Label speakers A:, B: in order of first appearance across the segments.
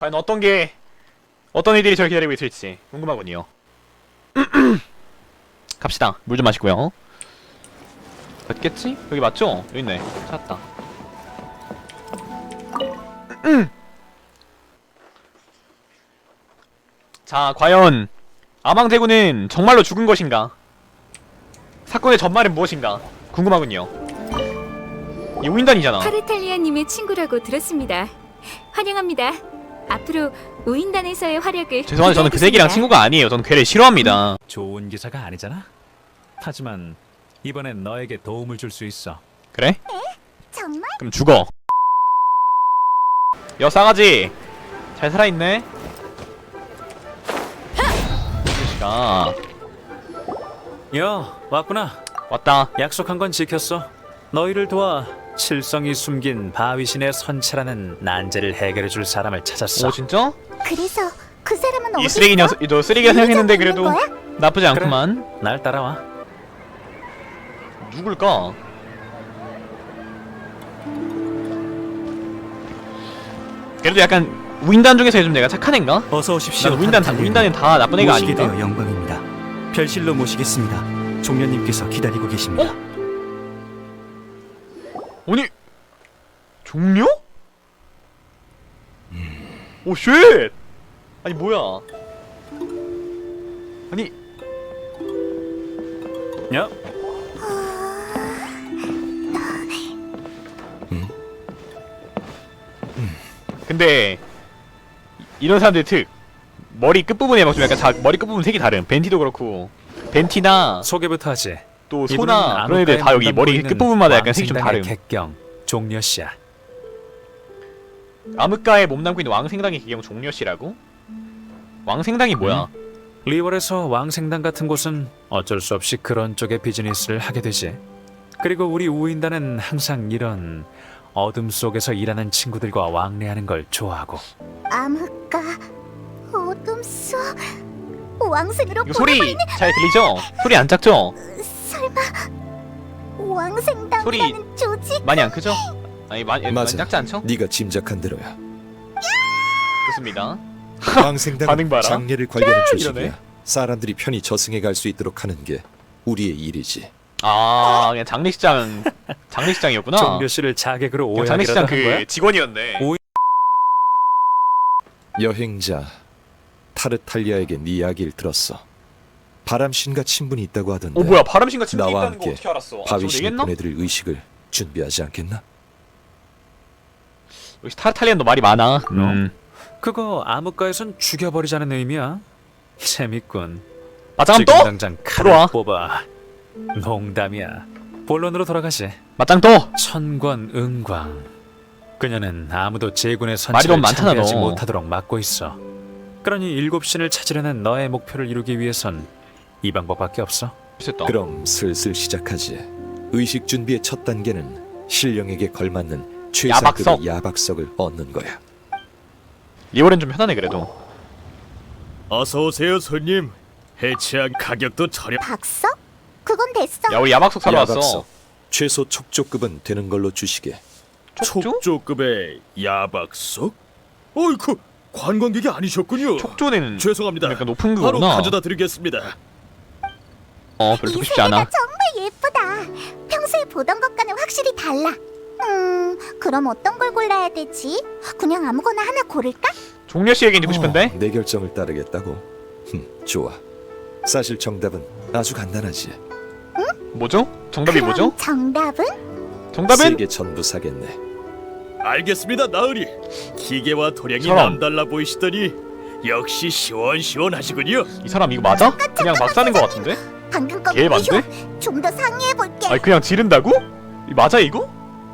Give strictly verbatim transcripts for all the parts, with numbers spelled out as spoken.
A: 과연 어떤 게 어떤 일들이 저를 기다리고 있을지 궁금하군요. 갑시다. 물 좀 마시고요. 맞겠지? 여기 맞죠? 여기 있네. 찾았다. 자, 과연 아망제군은 정말로 죽은 것인가? 사건의 전말은 무엇인가? 궁금하군요. 이 우인단이잖아.
B: 타르탈리아님의 친구라고 들었습니다. 환영합니다. 앞으로 우인단에서의 활약을
A: 죄송한데 저는 그 새끼랑 친구가 아니에요. 저는 걔를 싫어합니다.
C: 좋은 기사가 아니잖아. 하지만 이번엔 너에게 도움을 줄 수 있어.
A: 그래?
B: 정말?
A: 그럼 죽어. 여 싸가지 잘 살아있네. 이씨가
C: 야, 왔구나.
A: 왔다.
C: 약속한 건 지켰어. 너희를 도와 칠성이 숨긴 바위신의 선체라는 난제를 해결해 줄 사람을 찾았어.
A: 오 진짜?
B: 그래서 그 사람은
A: 이
B: 어디
A: 쓰레기 녀석 너 쓰레기라 생각했는데 그래도
B: 거야?
A: 나쁘지 않구만.
C: 날 따라와.
A: 누굴까? 그래도 약간 우인단 중에서 요즘 내가 착한 애인가?
D: 어서 오십시오.
A: 난 우인단 다 우인단은 다 나쁜 애가
D: 모시게
A: 아닌가?
D: 되어 영광입니다. 별실로 모시겠습니다. 종려님께서 기다리고 계십니다.
A: 어? 아니 종료? 오 쉣! 아니 뭐야? 아니
C: 야,
A: 근데 이런 사람들 특 머리 끝부분에 막 좀 약간 자, 머리 끝부분 색이 다른 벤티도 그렇고 벤티나
C: 소개부터 하지.
A: 또
C: 이분은
A: 소나 그런 애들 다 여기
C: 암흑가에
A: 머리
C: 몸담고
A: 끝부분마다 약간
C: 있는
A: 색이 좀
C: 왕생당의
A: 다름.
C: 객경 종려씨야.
A: 암흑가에 몸담고 있는 왕생당의 기경 종려씨라고? 왕생당이 뭐야?
C: 리월에서 왕생당 같은 곳은 어쩔 수 없이 그런 쪽의 비즈니스를 하게 되지. 그리고 우리 우인단은 항상 이런 어둠 속에서 일하는 친구들과 왕래하는 걸 좋아하고.
B: 암흑가 어둠 속 왕생으로
A: 이거 소리 잘 들리죠? 소리 안 작죠?
B: 설마 왕생당이라는
A: 소리
B: 조직?
A: 많이 안 크죠? 아니 많이, 많이
E: 맞아.
A: 작지 않죠?
E: 네가 짐작한 대로야.
A: 좋습니다. 반응
E: 왕생당은
A: 봐라.
E: 장례를 관리하는 조직이야.
A: 이러네.
E: 사람들이 편히 저승에 갈 수 있도록 하는 게 우리의 일이지.
A: 아 그냥 장례식장 장례식장이었구나.
C: 종려씨를 자객으로
A: 그냥
C: 오해하기라도
A: 장례식장
C: 하는 거야?
A: 그 직원이었네.
C: 오-
E: 여행자 타르탈리아에게 네 이야기를 들었어. 바람신과 친분이 있다고 하던데.
A: 어 뭐야 바람신과 친분이
E: 나와
A: 있다는 거
E: 함께
A: 어떻게 알았어? 아, 저거
E: 바위신이
A: 내겠나?
E: 보내드릴 의식을 준비하지 않겠나?
A: 역시 타르탈리안도 말이 많아. 음.
C: 그거 암흑가에선 죽여버리자는 의미야. 재밌군.
A: 맞짱
C: 지금
A: 또?
C: 당장
A: 들어와.
C: 칼을 뽑아. 농담이야. 본론으로 돌아가시.
A: 맞짱 또?
C: 천권 은광. 그녀는 아무도 제군의
A: 말이
C: 선체를
A: 너무 많잖아,
C: 참배하지
A: 너.
C: 못하도록 막고 있어. 그러니 일곱 신을 찾으려는 너의 목표를 이루기 위해선 이 방법밖에 없어.
A: 됐다.
E: 그럼 슬슬 시작하지. 의식 준비의 첫 단계는 신령에게 걸맞는 최상급의
A: 야박석.
E: 야박석을 얻는 거야.
A: 리월은 좀 편하네 그래도.
F: 어서 오세요, 손님. 해치한 가격도 저렴.
B: 박석? 그건 됐어.
A: 야 우리 야박석 사러 왔어.
E: 야박석. 최소 촉조급은 되는 걸로 주시게.
A: 촉조?
F: 촉조급의 야박석? 어이쿠, 관광객이 아니셨군요.
A: 촉조는
F: 죄송합니다.
A: 약간 높은
F: 바로
A: 그거구나.
F: 가져다 드리겠습니다.
A: 어 별로
B: 이
A: 듣고 싶지 않아.
B: 세계가 정말 예쁘다. 평소에 보던 것과는 확실히 달라. 음, 그럼 어떤 걸 골라야 되지? 그냥 아무거나 하나 고를까?
A: 종려 씨 얘기 듣고 싶은데?
E: 어, 내 결정을 따르겠다고? 흠, 좋아. 사실 정답은 아주 간단하지.
A: 뭐죠? 정답이
B: 그럼
A: 뭐죠?
B: 정답은?
A: 정답은?
E: 세계 전부 사겠네.
F: 알겠습니다, 나으리. 기계와 도량이
A: 사람.
F: 남달라 보이시더니 역시 시원시원하시군요.
A: 이 사람 이거 맞아? 그냥 막 사는 거 같은데?
B: 방금 거
A: 걔 맞네?
B: 좀 더 상의해 볼게.
A: 아니 그냥 지른다고? 이 맞아 이거?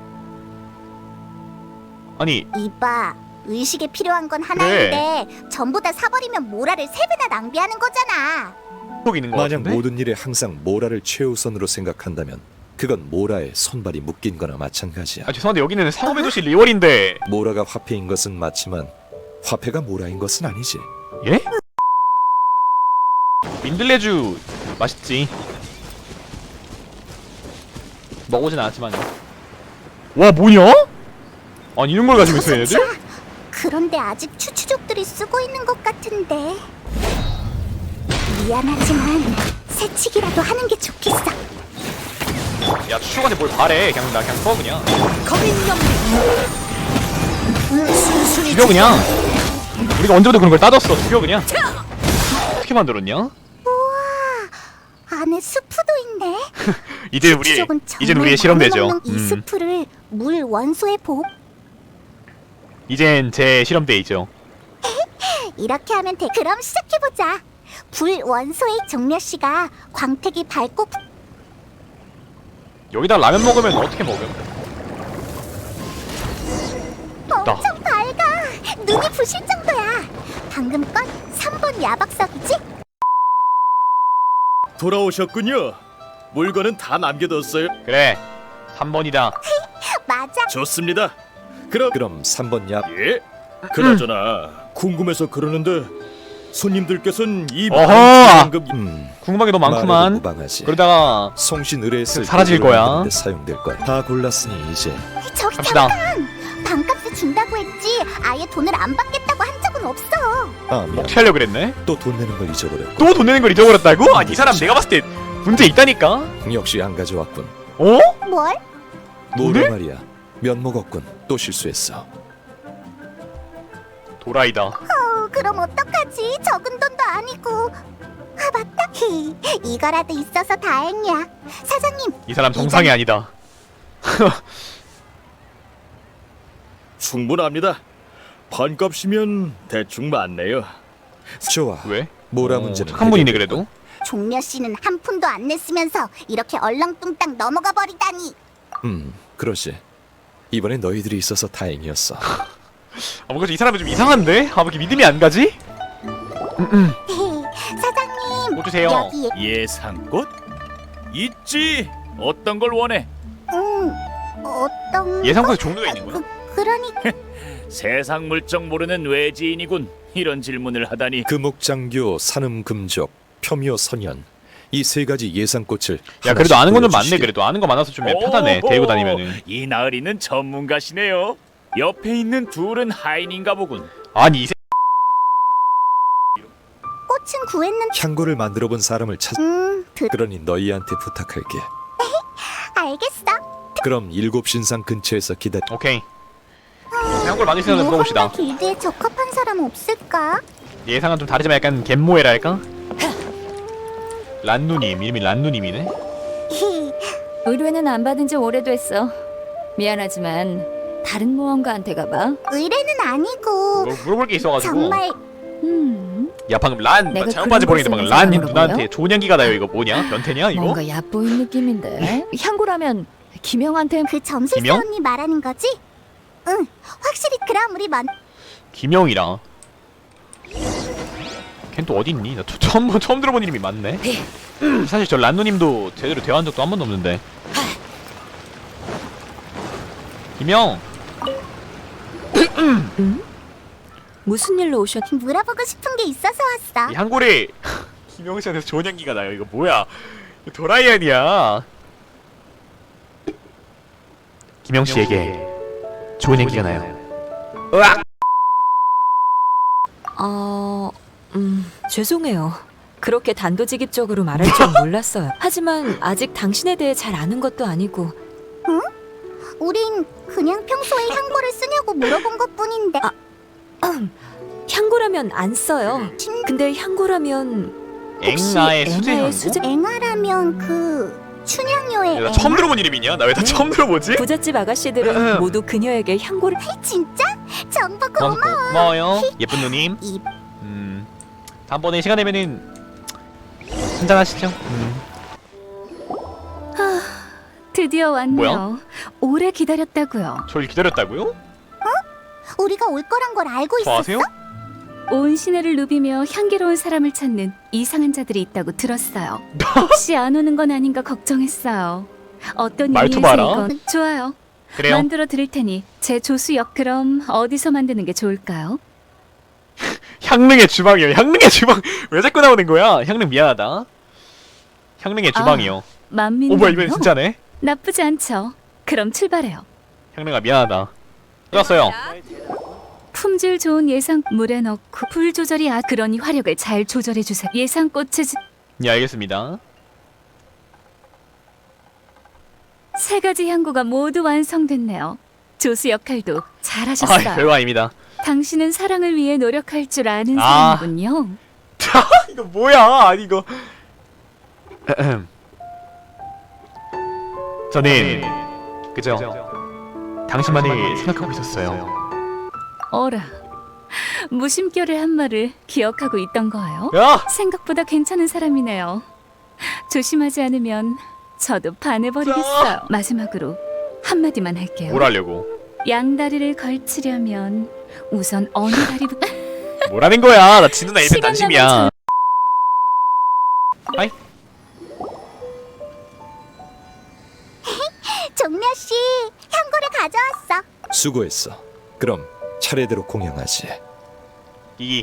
A: 아니
B: 이봐, 의식에 필요한 건 하나인데 전부 다 사버리면 모라를 세 배나 낭비하는 거잖아.
A: 꼭 있는 거
E: 만약
A: 같은데?
E: 모든 일에 항상 모라를 최우선으로 생각한다면 그건 모라에 손발이 묶인 거나 마찬가지야.
A: 아 죄송한데 여기는 상업의 도시 리월인데
E: 모라가 화폐인 것은 맞지만 화폐가 모라인 것은 아니지.
A: 예? 민들레주 맛있지. 먹어보진 않았지만. 와 뭐냐? 아니 이런 걸 가지고 있어 얘네들?
B: 그런데 아직 추추족 사람들이 쓰고 있는 것 같은데. 미안하지만 새치기라도 하는 게 좋겠어.
A: 야 추적한테 뭘 바래. 그냥 나 그냥 써 그냥. 죽여 그냥. 우리가 언제부터 그런 걸 따졌어. 죽여 그냥. 어떻게 만들었냐?
B: 안에 스프도 있네.
A: 이제 우리
B: 추적은
A: 이젠
B: 정말
A: 우리의 실험대죠.
B: 많이 먹는 이
A: 음.
B: 스프를 물 원소에 보.
A: 이젠 제 실험대이죠.
B: 이렇게 하면 돼. 그럼 시작해보자. 불 원소의 종려 씨가 광택이 밝고 부-
A: 여기다 라면 먹으면 어떻게 먹음?
B: 엄청 밝아. 눈이 부실 정도야. 방금 건 삼 번 야박석이지?
F: 돌아오셨군요. 물건은 다 남겨뒀어요.
A: 그래. 삼 번이다.
B: 맞아.
F: 좋습니다. 그럼
E: 그럼 삼 번 야
F: 예. 그나저나 궁금해서 그러는데 손님들께서는 이
A: 어허!
F: 많은 지원금
E: 음,
A: 궁금한 게 너무
E: 말해도
A: 많구만.
E: 무방하지.
A: 그러다가
E: 송신 의뢰했을
A: 사라질
E: 때
A: 거야.
E: 만드는데 사용될 거야. 다 골랐으니 이제
B: 저기
A: 갑시다.
B: 잠깐. 반값에 준다고 했지. 아예 돈을 안 받겠다고 한 적은 없어.
E: 아 미안.
A: 어떻게 하려고 그랬네?
E: 또 돈 내는 걸 잊어버렸고
A: 또 돈 내는 걸 잊어버렸다고? 아니 이 사람 내가 봤을 때 문제 있다니까?
E: 역시 안 가져왔군.
A: 어?
B: 뭘?
E: 노래
A: 네?
E: 말이야. 면 먹었군. 또 실수했어.
A: 도라이다.
B: 어, 그럼 어떡하지? 적은 돈도 아니고. 아 맞다. 히, 이거라도 있어서 다행이야. 사장님.
A: 이 사람 정상이 아니다.
F: 충분합니다. 반값이면 대충 맞네요.
E: 좋아.
A: 왜?
E: 뭐라
A: 어,
E: 문제는
A: 착한 분이네
E: 해결될
A: 그래도.
B: 종려 씨는 한 푼도 안 냈으면서 이렇게 얼렁뚱땅 넘어가 버리다니.
E: 음, 그러지. 이번에 너희들이 있어서 다행이었어.
A: 아 뭔가 이 사람은 좀 이상한데? 아 왜 이렇게 믿음이 안 가지?
B: 헤, 사장님.
A: 뭐 주세요.
B: 여기
G: 예상꽃? 있지. 어떤 걸 원해?
B: 음 어떤
A: 예상보다 종류가 있는 거야?
B: 그, 그러니
G: 세상 물정 모르는 외지인이군. 이런 질문을 하다니.
E: 금옥장교, 산음금족, 표묘 선연 이 세 가지 예상꽃을
A: 야 그래도 아는 건 좀 많네.
E: 보여주시게.
A: 그래도 아는 거 많아서 좀 편하네.
G: 오호,
A: 데리고 다니면은.
G: 이 나으리는 전문가시네요. 옆에 있는 둘은 하인인가 보군.
A: 아니 이 새...
B: 꽃은 구했는.
E: 향고를 만들어 본 사람을 찾.
B: 음 드,
E: 그러니 너희한테 부탁할게.
B: 알겠어.
E: 그럼 일곱 신상 근처에서 기다려.
A: 오케이. 한걸 만들 수 있는 물어봅시다.
B: 모험가 길드에 적합한 사람 없을까?
A: 예상은 좀 다르지만 약간 갯모에랄까? 란누님 이름이 란누님이네.
B: 히,
H: 의뢰는 안 받은 지 오래됐어. 미안하지만 다른 모험가한테 가봐.
B: 의뢰는 아니고
A: 뭐 물어볼 게 있어가지고.
B: 정말
H: 음,
A: 야 방금 란
H: 내가
A: 잘못 빠지
H: 그런
A: 버리는데 방금
H: 걸
A: 란
H: 쓰면서
A: 누나한테
H: 물어봐요?
A: 조냥기가 나요. 이거 뭐냐? 변태냐 이거?
H: 뭔가 얕보인 느낌인데. 향고라면 김영한테
B: 그 점술사
A: 김영?
B: 언니 말하는 거지? 응, 확실히 그럼 우리 먼.
A: 김영이랑. 걘 또 어디 있니? 나 처, 처음 처음 들어본 이름이 많네. 사실 저 란누님도 제대로 대화한 적도 한 번도 없는데. 김영.
H: 무슨 일로 오셨?
B: 물어보고 싶은 게 있어서 왔어.
A: 이 한골이 김영 씨한테 조냥기가 나요. 이거 뭐야? 이거 도라이언이야. 김영 씨에게 좋은 얘기가 나요. 으악!
I: 어... 음... 죄송해요. 그렇게 단도직입적으로 말할 줄 몰랐어요. 하지만 아직 당신에 대해 잘 아는 것도 아니고
B: 우린 그냥 평소에 향고를 쓰냐고 물어본 것뿐인데.
I: 아. 향고라면 안 써요.
B: 진
I: 근데 향고라면 혹시
A: 앵나의 수제
I: 앵나의
A: 향고?
I: 수제-
B: 앵아라면 그 춘향요의
A: 야, 나
B: 앵아?
A: 처음 들어본 이름이냐? 나 왜 다 처음 들어보지?
I: 부잣집 아가씨들은 모두 그녀에게 향고를
B: 진짜? 정보
A: 고마,
B: 고마워.
A: 고마워요. 예쁜 누님.
B: 이
A: 음. 다음번에 시간 되면은 한잔 하시죠. 음.
H: 드디어 왔네요.
A: 뭐야?
H: 오래 기다렸다고요.
A: 저를 기다렸다고요?
B: 우리가 올 거란 걸 알고 있었어?
A: 좋아하세요?
H: 온 시내를 누비며 향기로운 사람을 찾는 이상한 자들이 있다고 들었어요. 혹시 안 오는 건 아닌가 걱정했어요. 어떤
A: 말투
H: 의미에서
A: 봐라.
H: 이건 좋아요.
A: 그래요.
H: 만들어 드릴 테니 제 조수역 그럼 어디서 만드는 게 좋을까요?
A: 향릉의 주방이요. 향릉의 주방 왜 자꾸 나오는 거야? 향릉 미안하다. 향릉의 주방이요.
H: 만민.
A: 오 뭐야 이번엔 진짜네.
H: 나쁘지 않죠. 그럼 출발해요.
A: 향릉아 미안하다. 끝났어요.
H: 품질 좋은 예상 물에 넣고 불 조절이 아 그러니 화력을 잘 조절해 주세요. 예상꽃의 즈-
A: 예, 알겠습니다.
H: 세 가지 향고가 모두 완성됐네요. 조수 역할도
A: 아,
H: 잘하셨어요.
A: 별거 아닙니다.
H: 당신은 사랑을 위해 노력할 줄 아는
A: 아.
H: 사람이군요.
A: 이거 뭐야? 아니 이거. 저는 그죠? 당신만을 생각하고 있었어요.
H: 어라, 무심결의 한 말을 기억하고 있던 거예요?
A: 야!
H: 생각보다 괜찮은 사람이네요. 조심하지 않으면 저도 반해버리겠어요. 마지막으로 한마디만 할게요.
A: 뭘 하려고?
H: 양다리를 걸치려면 우선 어느 다리부터
A: 뭐라는 거야? 나 진우나 일편
H: 시간
A: 단심이야. 하이.
B: 종려씨, 향고를 가져왔어.
E: 수고했어. 그럼 차례대로 공양하지.
A: 이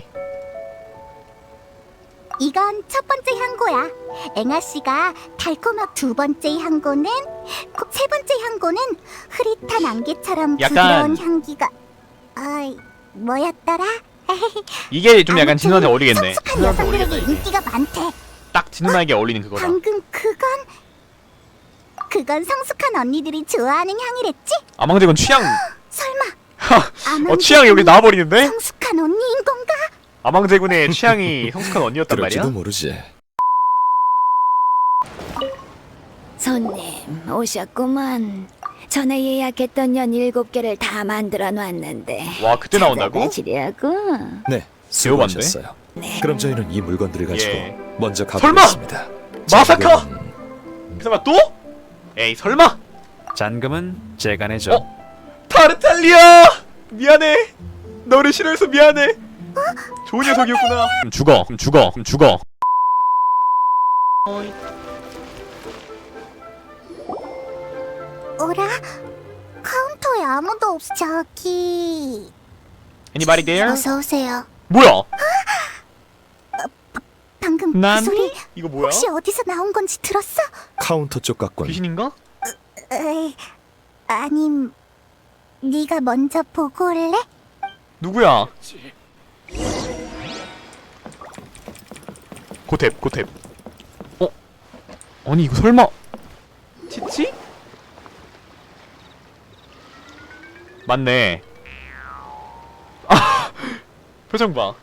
B: 이건 첫 번째 향고야. 앵아씨가 달콤한 두 번째 향고는, 고- 세 번째 향고는 흐릿한 안개처럼
A: 약간-
B: 부드러운 향기가. 아이, 뭐였더라?
A: 이게 좀 약간 진우한테
B: 아무튼
A: 어울리겠네.
B: 성숙한
A: 진우한테
B: 여성들에게
A: 어울리겠다, 이게.
B: 인기가 많대.
A: 딱 진우나에게 어울리는 그거다.
B: 방금 그건 그건 성숙한 언니들이 좋아하는 향이랬지?
A: 아망제군 취향.
B: 설마
A: 어 취향이 여기 나와버리는데?
B: 성숙한 언니인 건가?
A: 아망제군의 취향이 성숙한 언니였단 말이야.
E: 그럴지도 모르지.
J: 손님 오셨구만. 전에 예약했던 연 일곱 개를 다 만들어 놨는데
A: 와 그때 나온다고?
J: 찾아가시려고?
E: 네,
A: 배워봤네.
E: 수고하셨어요. 그럼 저희는 이 물건들을 가지고
A: 예.
E: 먼저
A: 설마!
E: 가보겠습니다.
A: 마사카!
E: 지금은
A: 설마 또? 에이 설마?
C: 잔금은 제가 내죠.
A: 어? 타르탈리아! 미안해. 너를 싫어해서 미안해. 좋은 녀석이었구나. 그럼 죽어. 그럼 죽어. 그럼 죽어.
B: 오라? 카운터에 아무도 없어. 저기.
A: Anybody there?
B: 어서 오세요.
A: 뭐야?
B: 방금
A: 난
B: 그 소리
A: 이거 뭐야?
B: 혹시 어디서 나온 건지 들었어?
E: 카운터 쪽 같군.
A: 귀신인가?
B: 에이, 아님 네가 먼저 보고 올래?
A: 누구야? 고탭 고탭. 어? 아니 이거 설마 치치? 맞네. 아 표정 봐.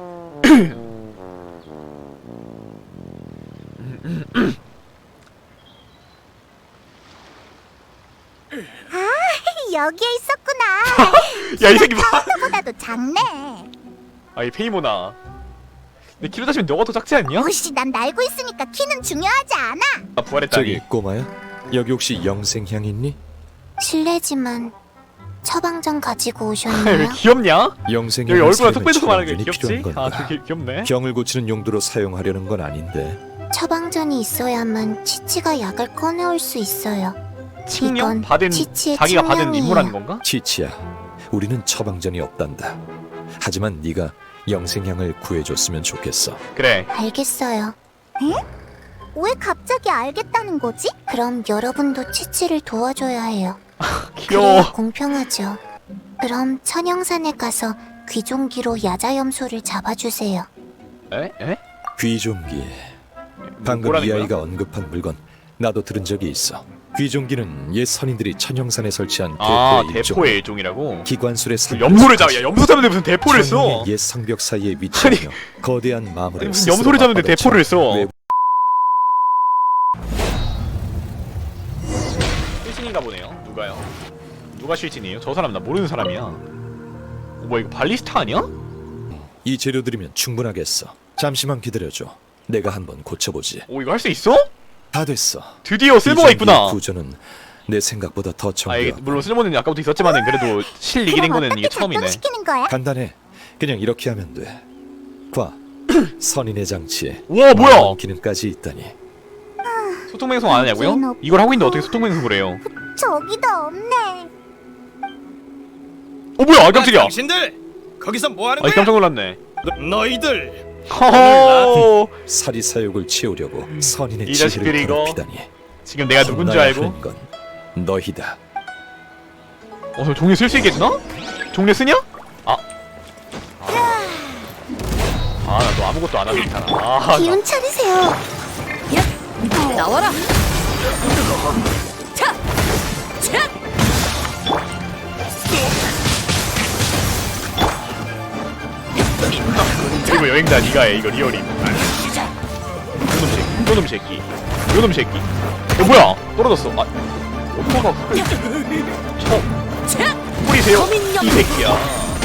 B: 여기에 있었구나.
A: 야 이 새끼 봐.
B: 보다도 작네.
A: 아이 페이모나. 내 키로 따지면 너가 더 작지 않냐?
B: 오씨, 난 날고 있으니까 키는 중요하지 않아.
A: 아 부활했다니.
E: 저기 꼬마야, 여기 혹시 영생향 있니?
B: 실례지만 처방전 가지고
A: 왜
B: 오셨나요?
A: 귀엽냐?
E: 영생향
A: 여기 얼굴에 턱 빼줘서 말하는 게 귀엽지?
E: 필요한
A: 아
E: 건가?
A: 되게 귀엽네.
E: 병을 고치는 용도로 사용하려는 건 아닌데.
B: 처방전이 있어야만 치치가 약을 꺼내올 수 있어요.
A: 칭령?
B: 이건
A: 받은
B: 치치의
A: 자기가 받은
B: 칭령이에요.
A: 임무라는 건가?
E: 치치야, 우리는 처방전이 없단다. 하지만 네가 영생향을 구해줬으면 좋겠어.
A: 그래.
B: 알겠어요. 에? 왜 갑자기 알겠다는 거지? 그럼 여러분도 치치를 도와줘야 해요.
A: 귀여워.
B: 그래야 공평하죠. 그럼 천영산에 가서 귀종기로 야자염소를 잡아주세요.
A: 에? 에?
E: 귀종기. 방금
A: 뭐라는
E: 이
A: 거야?
E: 아이가 언급한 물건 나도 들은 적이 있어. 귀종기는 옛 선인들이 천영산에 설치한
A: 아
E: 대포의 일종.
A: 대포의 일종이라고?
E: 기관술의
A: 무슨 염소를 잡아. 야 염소 잡는데 무슨 대포를 써?
E: 천년의 옛 성벽 사이에 위치하며 거대한 마물을
A: 아니 무슨
E: 스스로
A: 염소를 잡는데
E: 맞받아
A: 대포를 써?
E: 외부-
A: 실신인가 보네요. 누가요? 누가 실신이에요? 저 사람 나 모르는 사람이야. 어, 뭐야 이거 발리스타 아니야?
E: 이 재료들이면 충분하겠어. 잠시만 기다려줘. 내가 한번 고쳐보지.
A: 오 이거 할 수 있어?
E: 다 됐어.
A: 드디어 쓸모가
E: 이
A: 있구나.
E: 장비의 구조는 내 생각보다 더
A: 아 이게
E: 정교하고
A: 물론 쓸모는 아까부터 있었지만은 그래도 실 이기는
B: 그럼
A: 거는 이게
B: 어떻게
A: 처음이네.
B: 작동시키는 거야?
E: 간단해. 그냥 이렇게 하면 돼. 과 선인의 장치에
A: 우와 뭐야?
E: 많은 기능까지 있다니.
A: 소통맹성 안 하냐고요?
B: 이제는 없-
A: 이걸 하고 있는데 어떻게 소통맹성을 해요?
B: 저기도 없네.
A: 어 뭐야? 아 깜짝이야.
F: 당신들 거기서 뭐 하는
A: 아이
F: 거야?
A: 깜짝 놀랐네.
F: 너희들
A: 허허.
E: 사리 사욕을 채우려고 선인의
A: 이 자식들이
E: 지혜를
A: 이거
E: 더럽히다니.
A: 지금 내가 누군 줄
E: 혼나야
A: 알고?
E: 하는 건 너희다.
A: 어, 저 종료 쓸 수 있겠나? 종료 쓰냐? 아, 아무것도 안 하고 있잖아. 아,
B: 기운 차리세요.
I: 나와라. 차, 차.
A: 그리고 여행자 니가 해 이거 리얼임. 요놈 새끼, 요놈 새끼, 요놈 새끼. 어 뭐야? 떨어졌어. 아, 오빠가 쳐 뿌리세요 이 새끼야.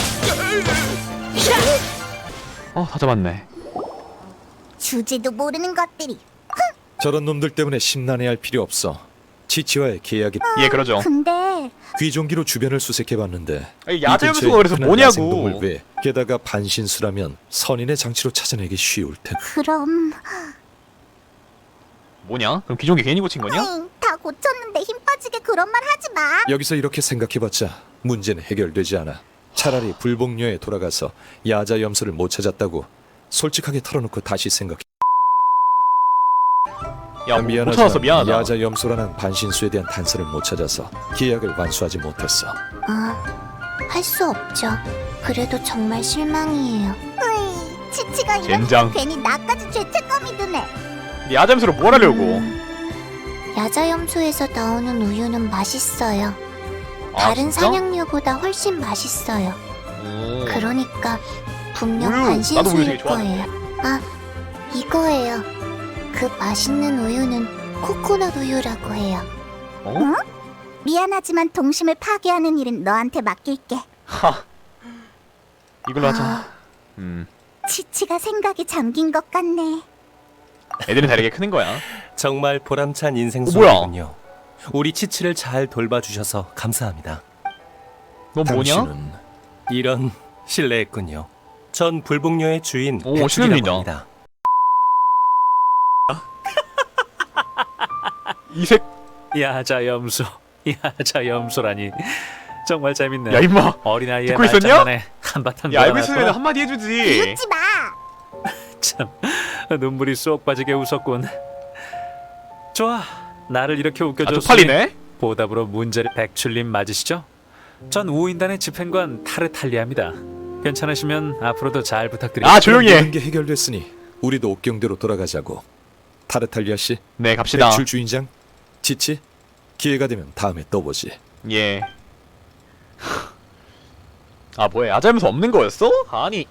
A: 어다 잡았네.
B: 주제도 모르는 것들이.
E: 저런 놈들 때문에 심란해할 필요 없어. 치치와의 계약이
A: 예 그러죠.
B: 근데
E: 귀종기로 주변을 수색해봤는데
A: 아니, 야자연수가 그래서 뭐냐고.
E: 왜? 게다가 반신수라면 선인의 장치로 찾아내기 쉬울 텐데.
B: 그럼
A: 뭐냐? 그럼 기존기 괜히 고친 거냐?
B: 에잉, 다 고쳤는데 힘 빠지게 그런 말 하지 마.
E: 여기서 이렇게 생각해봤자 문제는 해결되지 않아. 차라리 불복녀에 돌아가서 야자 염소를 못 찾았다고 솔직하게 털어놓고 다시 생각해.
A: 야, 뭐, 못
E: 미안하지만
A: 찾았어 미안하다.
E: 야자 염소라는 반신수에 대한 단서를 못 찾아서 계약을 완수하지 못했어.
B: 아, 할 수 없죠. 그래도 정말 실망이에요. 으이, 치치가 이러니
A: 젠장.
B: 괜히 나까지 죄책감이 드네.
A: 야잠수로 뭘 하려고?
B: 야자염소에서 나오는 우유는 맛있어요.
A: 아,
B: 다른
A: 진짜?
B: 사냥류보다 훨씬 맛있어요.
A: 오.
B: 그러니까 분명
A: 우유! 나도 우유
B: 반신수일
A: 되게 좋아하는데.
B: 거예요. 아, 이거예요. 그 맛있는 우유는 코코넛 우유라고 해요.
A: 어?
B: 응? 미안하지만 동심을 파괴하는 일은 너한테 맡길게.
A: 하. 이걸로 하자.
B: 아,
A: 음.
B: 치치가 생각이 잠긴 것 같네.
A: 애들은 다르게 크는 거야.
K: 정말 보람찬 인생
A: 어, 뭐야?
K: 소리군요. 우리 치치를 잘 돌봐주셔서 감사합니다.
A: 넌 뭐냐?
E: 당신은
K: 이런 실례했군요. 전 불복녀의 주인
A: 오,
K: 백출이라고
A: 신혼이다.
K: 합니다.
A: 이색.
C: 야자 염소, 야자 염소라니 정말 재밌네.
A: 야 임마.
C: 어린아이의
A: 듣고 있었냐?
C: 말장난에 한바탕
A: 야 알고 있으면
C: 놀아놨구나.
A: 한마디 해주지.
B: 비웃지 마.
C: 참 눈물이 쏙 빠지게 웃었군. 좋아, 나를 이렇게
A: 아
C: 웃겨줬으니
A: 쪽팔리네.
C: 보답으로 문제를 백출님 맞으시죠? 전 우인단의 집행관 타르탈리아입니다. 괜찮으시면 앞으로도 잘 부탁드립니다.
A: 아 조용히 해.
E: 모든 게 해결됐으니 우리도 옥경대로 돌아가자고. 타르탈리아 씨,
A: 네 갑시다.
E: 백출 주인장, 치치, 기회가 되면 다음에 또 보지.
A: 예. 아 뭐야 야자면서 없는 거였어? 아니.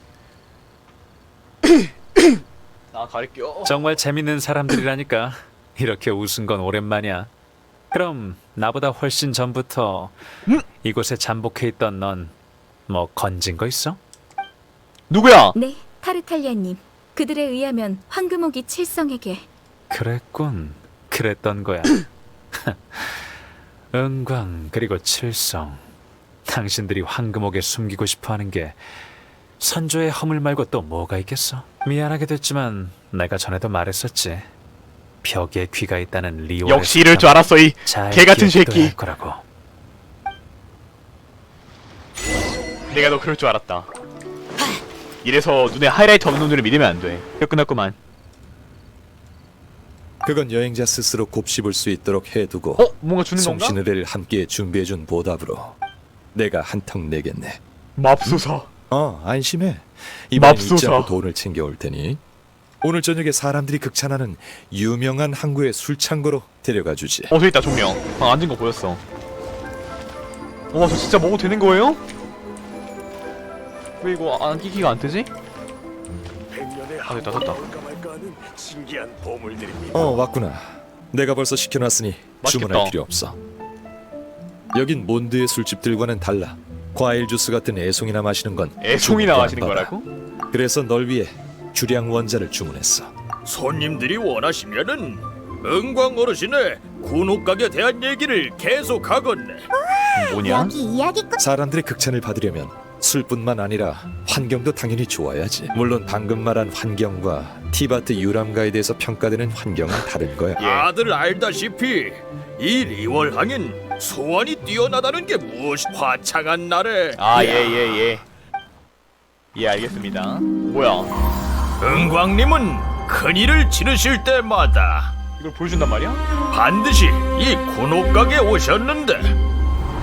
A: 나 가릴게요.
C: 정말 재밌는 사람들이라니까. 이렇게 웃은 건 오랜만이야. 그럼 나보다 훨씬 전부터
A: 음?
C: 이곳에 잠복해 있던 넌 뭐 건진 거 있어?
A: 누구야?
H: 네, 타르탈리아님. 그들에 의하면 황금옥이 칠성에게
C: 그랬군. 그랬던 거야. 은광 그리고 칠성. 당신들이 황금옥에 숨기고 싶어하는 게 선조의 허물 말고 또 뭐가 있겠어? 미안하게 됐지만 내가 전에도 말했었지. 벽에 귀가 있다는 리오의
A: 역시 이럴 줄 알았어 이
C: 잘
A: 개 같은
C: 기억해둬야
A: 새끼.
C: 할 거라고.
A: 내가 너 그럴 줄 알았다. 이래서 눈에 하이라이트 없는 놈들을 믿으면 안 돼. 이거 끝났구만.
E: 그건 여행자 스스로 곱씹을 수 있도록 해두고
A: 어? 뭔가 주는 건가?
E: 송신의뢰를 함께 준비해준 보답으로 내가 한턱 내겠네.
A: 맙소사.
E: 어, 안심해. 이번엔
A: 맙소사.
E: 잊지 않고 돈을 챙겨올 테니 오늘 저녁에 사람들이 극찬하는 유명한 항구의 술창고로 데려가 주지.
A: 어, 저기 있다, 종명. 방 앉은 거 보였어. 와, 저 진짜 먹어도 되는 거예요? 왜 이거 안 끼기가 안 뜨지? 아, 됐다, 됐다.
E: 어, 왔구나. 내가 벌써 시켜놨으니
A: 맛있겠다.
E: 주문할 필요 없어. 여긴 몬드의 술집들과는 달라. 과일 주스 같은 애송이나 마시는 건
A: 애송이나
E: 주문도 안
A: 마시는
E: 받아.
A: 거라고?
E: 그래서 널 위해 주량 원자를 주문했어.
F: 손님들이 원하시면은 은광 어르신의 군옥각에 대한 얘기를 계속하겠네.
A: 뭐냐?
B: 여기 이야기꾼.
E: 사람들의 극찬을 받으려면 술뿐만 아니라 환경도 당연히 좋아야지. 물론 방금 말한 환경과 티바트 유람가에 대해서 평가되는 환경은 다른 거야.
A: 예.
F: 다들 알다시피 이 리월항인 소원이 뛰어나다는 게 무엇이 화창한 날에
A: 아, 예, 예, 예. 예, 알겠습니다. 뭐야?
F: 은광님은 큰일을 치르실 때마다
A: 이걸 보여준단 말이야?
F: 반드시 이 군옥각에 오셨는데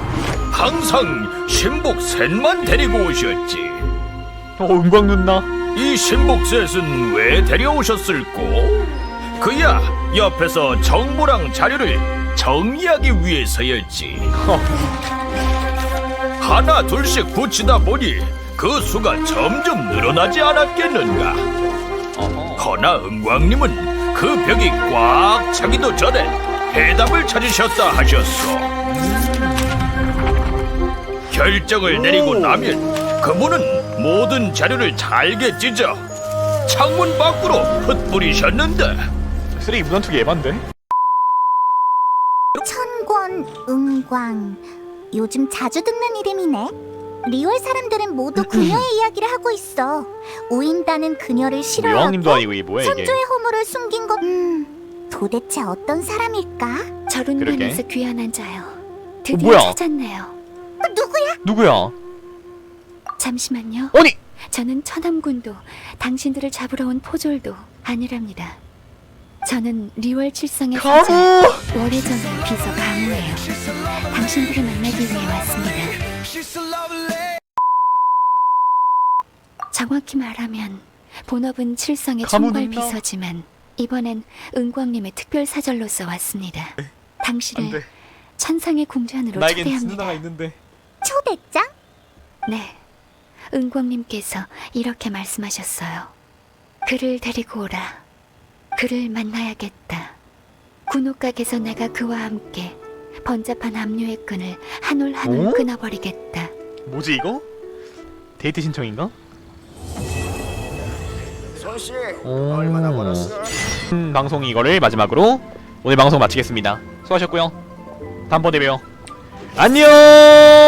F: 항상 신복 셋만 데리고 오셨지.
A: 어, 은광 누나.
F: 이 신복셋은 왜 데려오셨을꼬? 그야 옆에서 정보랑 자료를 정리하기 위해서였지. 하나 둘씩 붙이다 보니 그 수가 점점 늘어나지 않았겠는가. 허나 은광님은 그 벽이 꽉 차기도 전에 해답을 찾으셨다 하셨어. 결정을 내리고 나면 그분은 모든 자료를 잘게 찢어 창문 밖으로 흩뿌리셨는데.
A: 쓰레기 무단투기 에반데?
B: 천권, 은광. 요즘 자주 듣는 이름이네. 리월 사람들은 모두 그녀의 이야기를 하고 있어. 우인다는 그녀를 싫어하고
A: 여왕님도 아니고 이게 뭐야 이게?
B: 선조의 호물을 숨긴 것. 음, 도대체 어떤 사람일까?
J: 저룬반에서 귀환한 자요.
A: 어,
J: 드디어
A: 뭐야?
J: 찾았네요.
B: 어, 누구야?
A: 누구야?
J: 잠시만요.
A: 아니!
J: 저는 천암군도 당신들을 잡으러 온 포졸도 아니랍니다. 저는 리월 칠성의
A: 가무!
J: 사자 월해전의 비서 가무예요. 당신들을 만나기 위해 왔습니다. 정확히 말하면 본업은 칠성의
A: 가무
J: 총괄
A: 누나.
J: 비서지만 이번엔 은광님의 특별 사절로서 왔습니다. 당신을 천상의 궁전으로
A: 나에겐
J: 초대합니다.
A: 누나가 있는데.
B: 초대장?
J: 네, 은광님께서 이렇게 말씀하셨어요. 그를 데리고 오라. 그를 만나야겠다. 군옥각에서 내가 그와 함께 번잡한 압류의 끈을 한 올 한 올
A: 어?
J: 끊어버리겠다.
A: 뭐지 이거? 데이트 신청인가?
L: 손씨
A: 오.
L: 얼마나 벌었어?
A: 음, 방송 이거를 마지막으로 오늘 방송 마치겠습니다. 수고하셨고요. 다음번에 봬요. 안녕!